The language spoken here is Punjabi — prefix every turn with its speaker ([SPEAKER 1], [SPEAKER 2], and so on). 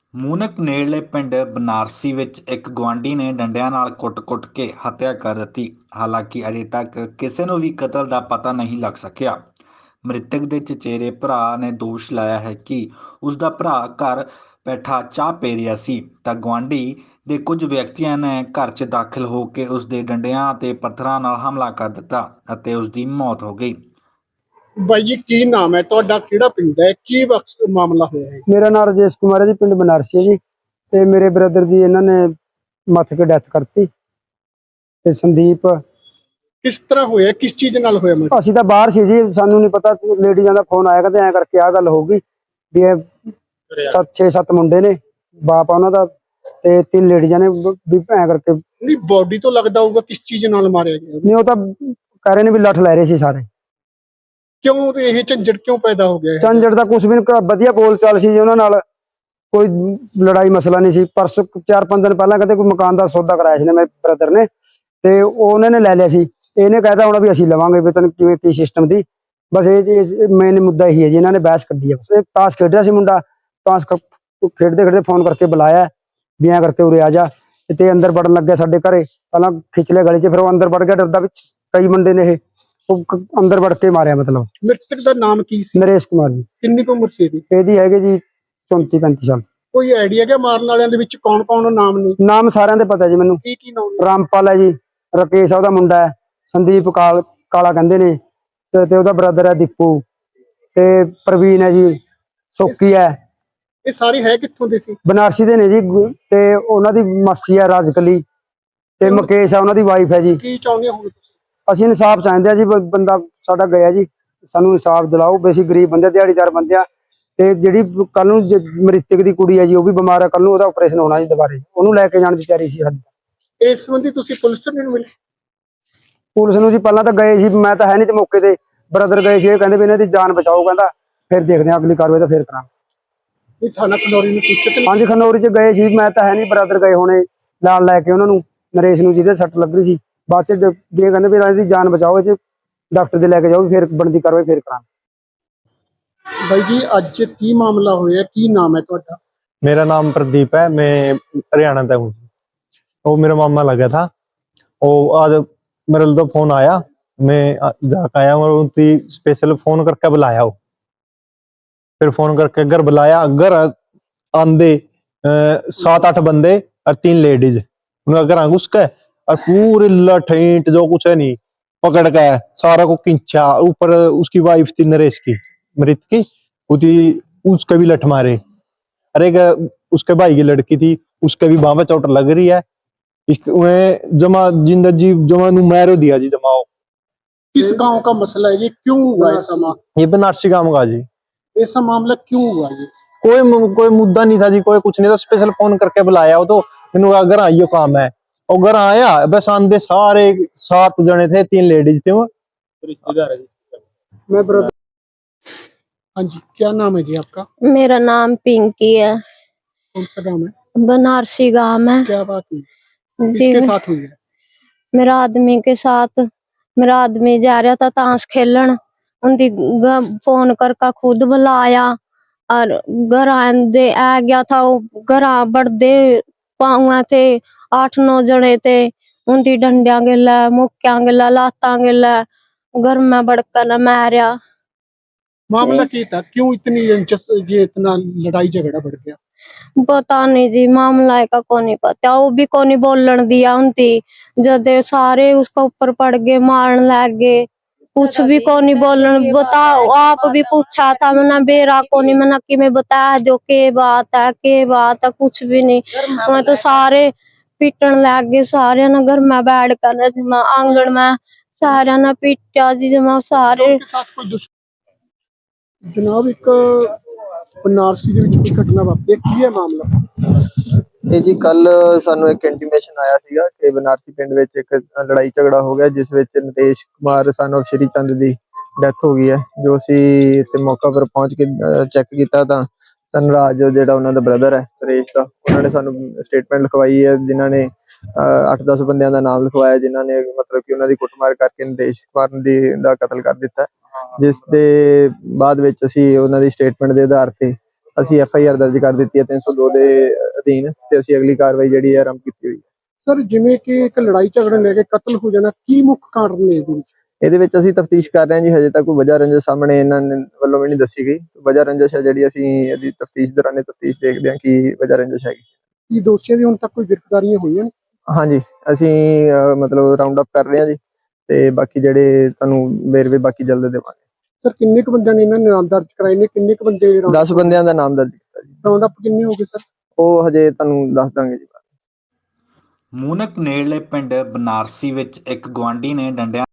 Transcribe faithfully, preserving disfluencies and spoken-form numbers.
[SPEAKER 1] ਮੂਨਕ ਨੇੜਲੇ ਪਿੰਡ ਬਨਾਰਸੀ ਵਿੱਚ ਇੱਕ ਗੁਆਂਢੀ ਨੇ ਡੰਡਿਆਂ ਨਾਲ ਕੁੱਟ-ਕੁੱਟ ਕੇ ਹੱਤਿਆ ਕਰ ਦਿੱਤੀ। ਹਾਲਾਂਕਿ ਅਜੇ ਤੱਕ ਕਿਸੇ ਨੂੰ ਵੀ ਕਤਲ ਦਾ ਪਤਾ ਨਹੀਂ ਲੱਗ ਸਕਿਆ। ਮ੍ਰਿਤਕ ਦੇ ਚਚੇਰੇ ਭਰਾ ਨੇ ਦੋਸ਼ ਲਾਇਆ ਹੈ ਕਿ ਉਸ ਦਾ ਭਰਾ ਘਰ ਬੈਠਾ ਚਾਹ ਪੀ ਰਿਹਾ ਸੀ ਤਾਂ ਗੁਆਂਢੀ ਦੇ ਕੁਝ ਵਿਅਕਤੀਆਂ ਨੇ ਘਰ 'ਚ ਦਾਖਲ ਹੋ ਕੇ ਉਸ ਦੇ ਡੰਡਿਆਂ ਅਤੇ ਪੱਥਰਾਂ ਨਾਲ ਹਮਲਾ ਕਰ ਦਿੱਤਾ ਅਤੇ ਉਸ ਦੀ ਮੌਤ ਹੋ ਗਈ।
[SPEAKER 2] ਬਾਈ ਜੀ, ਕੀ ਨਾਮ ਹੈ ਤੁਹਾਡਾ? ਕਿਹੜਾ ਪਿੰਡ ਹੈ? ਕੀ ਵਕਤ ਮਾਮਲਾ ਹੋਇਆ ਹੈ?
[SPEAKER 3] ਮੇਰਾ ਨਾਮ ਰਾਜੇਸ਼ ਕੁਮਾਰ ਹੈ ਜੀ, ਪਿੰਡ ਬਨਾਰਸੀ ਹੈ ਜੀ। ਤੇ ਮੇਰੇ ਬ੍ਰਦਰ ਦੀ ਇਹਨਾਂ ਨੇ ਮੱਥ ਕੇ ਡੈਥ ਕਰਤੀ। ਤੇ ਸੰਦੀਪ,
[SPEAKER 2] ਕਿਸ ਤਰ੍ਹਾਂ ਹੋਇਆ? ਕਿਸ ਚੀਜ਼ ਨਾਲ ਹੋਇਆ? ਮੈਂ
[SPEAKER 3] ਅਸੀਂ ਤਾਂ ਬਾਹਰ ਸੀ ਜੀ, ਸਾਨੂੰ ਨਹੀਂ ਪਤਾ। ਲੇਡੀਜ਼ਾਂ ਦਾ ਫੋਨ ਆਇਆ, ਕਹਿੰਦੇ ਐਂ ਕਰਕੇ ਆਹ ਗੱਲ ਹੋਊਗੀ ਵੀ ਇਹ ਸੱਤ ਛੇ ਸੱਤ ਮੁੰਡੇ ਨੇ, ਬਾਪ ਆ ਉਹਨਾਂ ਦਾ, ਤੇ ਤਿੰਨ ਲੇਡੀਜ਼ਾਂ ਨੇ ਵੀ ਐਂ ਕਰਕੇ।
[SPEAKER 2] ਨਹੀਂ, ਬੋਡੀ ਤੋਂ ਲੱਗਦਾ ਹੋਊਗਾ ਕਿਸ ਚੀਜ਼ ਨਾਲ ਮਾਰਿਆ ਗਿਆ।
[SPEAKER 3] ਨਹੀਂ, ਉਹ ਤਾਂ ਕਹਿ ਰਹੇ ਨੇ ਵੀ ਲੱਠ ਲੈ ਰਹੇ ਸੀ ਸਾਰੇ।
[SPEAKER 2] ਕਿਉਂ ਇਹ ਝੰਜਟ ਕਿਉਂ ਪੈਦਾ ਹੋ ਗਿਆ?
[SPEAKER 3] ਝੰਜਟ ਦਾ ਕੁਛ ਵੀ ਨੀ, ਵਧੀਆ ਬੋਲ ਚਾਲ ਸੀ ਜੀ ਉਹਨਾਂ ਨਾਲ, ਕੋਈ ਲੜਾਈ ਮਸਲਾ ਨਹੀਂ ਸੀ। ਪਰਸੋਂ ਚਾਰ ਪੰਜ ਦਿਨ ਪਹਿਲਾਂ ਕਹਿੰਦੇ ਕੋਈ ਮਕਾਨ ਦਾ ਸੌਦਾ ਕਰਾਇਆ ਸੀ ਨਾ ਮੇਰੇ ਬ੍ਰਦਰ ਨੇ, ਤੇ ਉਹਨਾਂ ਨੇ ਲੈ ਲਿਆ ਸੀ। ਇਹਨੇ ਕਹਿਤਾ ਹੋਣਾ ਵੀ ਅਸੀਂ ਲਵਾਂਗੇ, ਵੀ ਤੈਨੂੰ ਕਿਵੇਂ ਕੀ ਸਿਸਟਮ ਦੀ। ਬਸ ਇਹ ਮੇਨ ਮੁੱਦਾ ਇਹੀ ਹੈ ਜੀ, ਇਹਨਾਂ ਨੇ ਬਹਿਸ ਕੱਢੀ ਹੈ। ਬਸ ਇਹ ਤਾਸ਼ ਖੇਡ ਰਿਹਾ ਸੀ ਮੁੰਡਾ, ਤਾਸ਼ ਖੇਡਦੇ ਖੇਡਦੇ ਫੋਨ ਕਰਕੇ ਬੁਲਾਇਆ ਵੀ ਐਂ ਕਰਕੇ ਉਰੇ ਆ ਜਾ, ਤੇ ਅੰਦਰ ਵੜਨ ਲੱਗਿਆ ਸਾਡੇ ਘਰੇ। ਪਹਿਲਾਂ ਖਿੱਚ ਲਿਆ ਗਲੀ 'ਚ, ਫਿਰ ਉਹ ਅੰਦਰ ਵੜ ਗਿਆ ਡਰਦਾ, ਵਿੱਚ ਕਈ ਮੁੰਡੇ ਨੇ ਇਹ, ਉਹ ਅੰਦਰ ਵੜ ਕੇ ਮਾਰਿਆ। ਮਤਲਬ
[SPEAKER 2] ਮ੍ਰਿਤਕ ਦਾ ਨਾਮ ਕੀ ਸੀ?
[SPEAKER 3] ਨਰੇਸ਼ ਕੁਮਾਰ ਜੀ।
[SPEAKER 2] ਕਿੰਨੀ ਕੁ ਉਮਰ ਸੀ ਇਹਦੀ?
[SPEAKER 3] ਇਹਦੀ ਹੈਗੇ ਜੀ ਚੌਂਤੀ ਪੈਂਤੀ ਸਾਲ।
[SPEAKER 2] ਕੋਈ ਆਈਡੀਆ ਕਿ ਮਾਰਨ ਵਾਲਿਆਂ ਦੇ ਵਿੱਚ ਕੌਣ ਕੌਣ ਨਾਮ ਨੇ?
[SPEAKER 3] ਨਾਮ ਸਾਰਿਆਂ ਦੇ ਪਤਾ ਜੀ ਮੈਨੂੰ।
[SPEAKER 2] ਕੀ ਕੀ ਨਾਮ ਨੇ?
[SPEAKER 3] ਰਾਮਪਾਲ ਹੈ ਜੀ, ਰਕੇਸ਼ ਆ ਉਹਦਾ ਮੁੰਡਾ ਹੈ, ਸੰਦੀਪ ਕਾਲ ਕਾਲਾ ਕਹਿੰਦੇ ਨੇ, ਤੇ ਤੇ ਉਹਦਾ ਬ੍ਰਦਰ ਹੈ ਦੀਪੂ, ਤੇ ਪ੍ਰਵੀਨ ਹੈ ਜੀ, ਸੋਕੀ ਹੈ।
[SPEAKER 2] ਇਹ ਸਾਰੇ ਹੈ ਕਿੱਥੋਂ ਦੇ ਸੀ?
[SPEAKER 3] ਬਨਾਰਸੀ ਦੇ ਨੇ ਜੀ, ਤੇ ਉਹਨਾਂ ਦੀ ਮਾਸੀ ਹੈ ਰਾਜਕਲੀ, ਤੇ ਮੁਕੇਸ਼ ਆ ਉਹਨਾਂ ਦੀ ਵਾਈਫ ਹੈ ਜੀ।
[SPEAKER 2] ਕੀ ਚਾਹੁੰਦੇ ਹੋ ਤੁਸੀਂ?
[SPEAKER 3] ਅਸੀਂ ਇਨਸਾਫ ਚਾਹੁੰਦੇ ਆ ਜੀ, ਬ- ਬੰਦਾ ਸਾਡਾ ਗਿਆ ਜੀ, ਸਾਨੂੰ ਇਨਸਾਫ ਦਿਲਾਓ। ਵੀ ਅਸੀਂ ਗਰੀਬ ਬੰਦੇ, ਦਿਹਾੜੀਦਾਰ ਬੰਦੇ ਆ, ਤੇ ਜਿਹੜੀ ਕੱਲ ਨੂੰ ਜ- ਮ੍ਰਿਤਕ ਦੀ ਕੁੜੀ ਹੈ ਜੀ, ਉਹ ਵੀ ਬਿਮਾਰ ਹੈ, ਕੱਲ ਨੂੰ ਉਹਦਾ ਆਪਰੇਸ਼ਨ ਹੋਣਾ ਜੀ ਦੁਬਾਰੇ, ਉਹਨੂੰ ਲੈ ਕੇ ਜਾਣ ਦੀ ਤਿਆਰੀ ਸੀ ਸਾਡੀ।
[SPEAKER 2] ਇਸ ਸੰਬੰਧੀ ਤੁਸੀਂ ਪੁਲਿਸ ਤੋਂ ਨਹੀਂ ਮਿਲੇ?
[SPEAKER 3] ਪੁਲਿਸ ਨੂੰ ਜੀ ਪਹਿਲਾਂ ਤਾਂ ਗਏ ਸੀ, ਮੈਂ ਤਾਂ ਹੈ ਨਹੀਂ ਤੇ ਮੌਕੇ ਤੇ, ਬ੍ਰਦਰ ਗਏ ਸੀ। ਇਹ ਕਹਿੰਦੇ ਵੀ ਇਹਨਾਂ ਦੀ ਜਾਨ ਬਚਾਓ, ਕਹਿੰਦਾ ਫਿਰ ਦੇਖਦੇ ਹਾਂ ਅਗਲੀ ਕਾਰਵਾਈ ਤਾਂ ਫਿਰ ਕਰਾਂਗੇ।
[SPEAKER 2] ਇਹ ਥਾਣਾ ਖਨੌਰੀ ਨੂੰ ਸੂਚਿਤ ਨਹੀਂ?
[SPEAKER 3] ਹਾਂਜੀ, ਖਨੌਰੀ 'ਚ ਗਏ ਸੀ, ਮੈਂ ਤਾਂ ਹੈ ਨਹੀਂ, ਬ੍ਰਦਰ ਗਏ ਹੋਣੇ ਨਾਲ ਲੈ ਕੇ ਉਹਨਾਂ ਨੂੰ, ਨਰੇਸ਼ ਨੂੰ, ਜਿਹਦੇ ਸੱਟ ਲੱਗ ਰਹੀ ਸੀ। ਬਾਅਦ 'ਚ ਜ- ਵੀ ਇਹ ਕਹਿੰਦੇ ਵੀ ਇਹਨਾਂ ਦੀ ਜਾਨ ਬਚਾਓ, ਇਹ 'ਚ ਡਾਕਟਰ ਦੇ ਲੈ ਕੇ ਜਾਓ, ਫਿਰ ਬਣਦੀ ਕਾਰਵਾਈ ਫਿਰ ਕਰਾਂਗੇ।
[SPEAKER 2] ਬਾਈ ਜੀ, ਅੱਜ ਕੀ ਮਾਮਲਾ ਹੋਇਆ? ਕੀ ਨਾਮ ਹੈ ਤੁਹਾਡਾ?
[SPEAKER 4] मेरा नाम प्रदीप है, मैं हरियाणा से हूँ। वो मेरा मामा लगा था, वो आज मेरे तो फोन आया, मैं जाकर आया और उनकी स्पेशल फोन करके बुलाया वो। फिर फोन करके घर बुलाया, घर आंदे सात आठ बंदे और तीन लेडीज, उन्हें घर घुस के और पूरे लठीट जो कुछ है नहीं पकड़ के सारा को खींचा। ऊपर उसकी वाइफ थी नरेश की, मृत की, उसी उसके भी लठ मारे। अरे उसके भाई की लड़की थी, उसके भी बाह में चोट लग रही है। इसमें जमा जिंदा जी जमा नु मैरो दिया जी जमाओ।
[SPEAKER 2] किस गांव का मसला है ये? क्यों हुआ ऐसा मामला?
[SPEAKER 4] ये बनारसी गांव का जी।
[SPEAKER 2] ऐसा मामला क्यों हुआ ये?
[SPEAKER 4] कोई कोई मुद्दा नहीं था जी, कोई कुछ नहीं था। स्पेशल फोन करके बुलाया वो, तो मैंने अगर आइयो काम है, और घर आया बस आंदे सारे सात जने थे, तीन लेडीज थे। वो
[SPEAKER 3] मैं ब्रदर।
[SPEAKER 2] हाँ जी, क्या नाम है जी आपका?
[SPEAKER 5] मेरा नाम पिंकी है,
[SPEAKER 2] कौन सा नाम है?
[SPEAKER 5] बनारसी गांव है
[SPEAKER 2] क्या बात हुई?
[SPEAKER 5] जी।
[SPEAKER 2] किसके साथ हुई है?
[SPEAKER 5] मेरा आदमी के साथ, मेरा आदमी जा रहा था ताश खेलन, उनकी फोन करके खुद बुलाया और घर आंदे आ गया था। वो घर बढ़दे पाऊँ थे, आठ नौ जने थे, उनकी डंडिया गिला, मुक्या गिला, लाता गिला, घर में बड़कर मारिया।
[SPEAKER 2] मामला क्या था? क्यों इतनी इंचस ये इतना लड़ाई झगड़ा बढ़ गया?
[SPEAKER 5] पता नहीं जी, मामला का को नहीं पता। वो भी को नहीं बोलन दिया उनती, जब सारे उसका ऊपर पड़ गए, मारन लग गए, कुछ भी को नहीं बोलन। बताओ, आप भी पूछा था मैंने, बेरा को नहीं, मैंने कि मैं बता दो के बात है, के बात है, कुछ भी नहीं। मैं तो सारे पीटन लग गए, सारे ना घर में बैठ कर आंगन में सारे ना पीटा जी जमा सारे।
[SPEAKER 2] उनके साथ कोई दुश्मन? जनाब, एक बनारसी ਦੇ ਵਿੱਚ ਕੋਈ ਘਟਨਾ ਵਾਪਰੀ ਹੈ, ਕੀ ਹੈ ਮਾਮਲਾ?
[SPEAKER 6] ਇਹ ਜੀ ਕੱਲ ਸਾਨੂੰ ਇੱਕ ਇੰਟੀਮੇਸ਼ਨ ਆਇਆ ਸੀਗਾ ਕਿ ਬਨਾਰਸੀ ਪਿੰਡ ਵਿੱਚ ਇੱਕ ਲੜਾਈ ਝਗੜਾ ਹੋ ਗਿਆ, ਜਿਸ ਵਿੱਚ ਨਰੇਸ਼ ਕੁਮਾਰ ਸਨ ਆਫ ਸ਼੍ਰੀ ਚੰਦ ਦੀ ਡੈਥ ਹੋ ਗਈ ਹੈ। ਜੋ ਅਸੀਂ ਇੱਥੇ ਮੌਕਾ ਪਰ ਪਹੁੰਚ ਕੇ ਚੈੱਕ ਕੀਤਾ ਤਾਂ ਧਨਰਾਜ ਜਿਹੜਾ ਉਹਨਾਂ ਦਾ ਬ੍ਰਦਰ ਹੈ ਨਰੇਸ਼ ਦਾ, ਉਹਨਾਂ ਨੇ ਸਾਨੂੰ ਸਟੇਟਮੈਂਟ ਲਿਖਵਾਈ ਹੈ, ਜਿਨ੍ਹਾਂ ਨੇ ਅੱਠ ਦਸ ਬੰਦਿਆਂ ਦਾ ਨਾਮ ਲਿਖਵਾਇਆ, ਜਿਨ੍ਹਾਂ ਨੇ ਮਤਲਬ ਕਿ ਉਹਨਾਂ ਦੀ ਕੁੱਟਮਾਰ ਕਰਕੇ ਨਰੇਸ਼ ਕੁਮਾਰ ਦੀ ਦਾ ਕਤਲ ਕਰ ਦਿੱਤਾ। ਜਿਸ ਦੇ ਬਾਅਦ ਵਿੱਚ ਅਸੀਂ ਉਹਨਾਂ ਦੀ ਸਟੇਟਮੈਂਟ ਦੇ ਆਧਾਰ ਤੇ ਅਸੀਂ ਐਫ ਆਈ ਆਰ ਦਰਜ ਕਰ ਦਿੱਤੀ ਹੈ ਤਿੰਨ ਸੌ ਦੋ ਦੇ ਅਧੀਨ, ਤੇ ਅਸੀਂ ਅਗਲੀ ਕਾਰਵਾਈ ਜਿਹੜੀ ਹੈ ਆਰੰਭ ਕੀਤੀ ਹੋਈ ਹੈ।
[SPEAKER 2] ਸਰ ਜਿਵੇਂ ਕਿ ਇੱਕ ਲੜਾਈ ਝਗੜੇ ਲੈ ਕੇ ਕਤਲ ਹੋ ਜਾਣਾ, ਕੀ ਮੁੱਖ ਕਾਰਨ ਨੇ ਇਹਦੇ ਵਿੱਚ?
[SPEAKER 6] ਇਹਦੇ ਵਿੱਚ ਅਸੀਂ ਤਫਤੀਸ਼ ਕਰ ਰਹੇ ਹਾਂ ਜੀ, ਹਜੇ ਤੱਕ ਕੋਈ ਵਜ੍ਹਾ ਰੰਜਿਸ਼ ਸਾਹਮਣੇ ਇਹਨਾਂ ਨੇ ਵੱਲੋਂ ਵੀ ਨਹੀਂ ਦੱਸੀ ਗਈ। ਵਜ੍ਹਾ ਰੰਜਿਸ਼ ਹੈ ਜਿਹੜੀ ਅਸੀਂ ਇਹਦੀ ਤਫਤੀਸ਼ ਦੌਰਾਨੇ ਤਫਤੀਸ਼ ਦੇਖਦੇ ਹਾਂ ਕਿ ਵਜ੍ਹਾ ਰੰਜਿਸ਼ ਹੈਗੀ ਸੀ।
[SPEAKER 2] ਕੀ ਦੋਸ਼ੀਆਂ ਦੀ ਹੁਣ ਤੱਕ ਕੋਈ ਗ੍ਰਿਫਤਾਰੀਆਂ ਹੋਈਆਂ ਨੇ?
[SPEAKER 6] ਹਾਂਜੀ, ਅਸੀਂ ਅਹ, ਮਤਲਬ ਰਾਉਂਡ ਅਪ ਕਰ ਰਹੇ ਹਾਂ ਜੀ, ਤੇ ਬਾਕੀ ਜਿਹੜੇ ਤੁਹਾਨੂੰ ਵੇਰਵੇ ਬਾਕੀ ਜਲਦ ਦੇਵਾਂਗੇ।
[SPEAKER 2] ਸਰ ਕਿੰਨੇ ਕੁ ਬੰਦਿਆਂ ਨੇ ਇਹਨਾਂ ਨੇ ਨਾਮ ਦਰਜ ਕਰਾਏ ਨੇ, ਕਿੰਨੇ ਕੁ ਬੰਦੇ
[SPEAKER 6] ਦਸ ਬੰਦਿਆਂ ਦਾ ਨਾਮ ਦਰਜ ਕੀਤਾ ਜੀ।
[SPEAKER 2] ਰਾਉਂਡ ਅਪ ਕਿੰਨੇ ਹੋ ਗਏ ਸਰ?
[SPEAKER 6] ਉਹ ਹਜੇ ਤੁਹਾਨੂੰ ਦੱਸ ਦਾਂਗੇ ਜੀ।
[SPEAKER 1] ਮੂਨਕ ਨੇੜਲੇ ਪਿੰਡ ਬਨਾਰਸੀ ਵਿੱਚ ਇੱਕ ਗੁਆਂਢੀ ਨੇ ਡੰਡਿਆਂ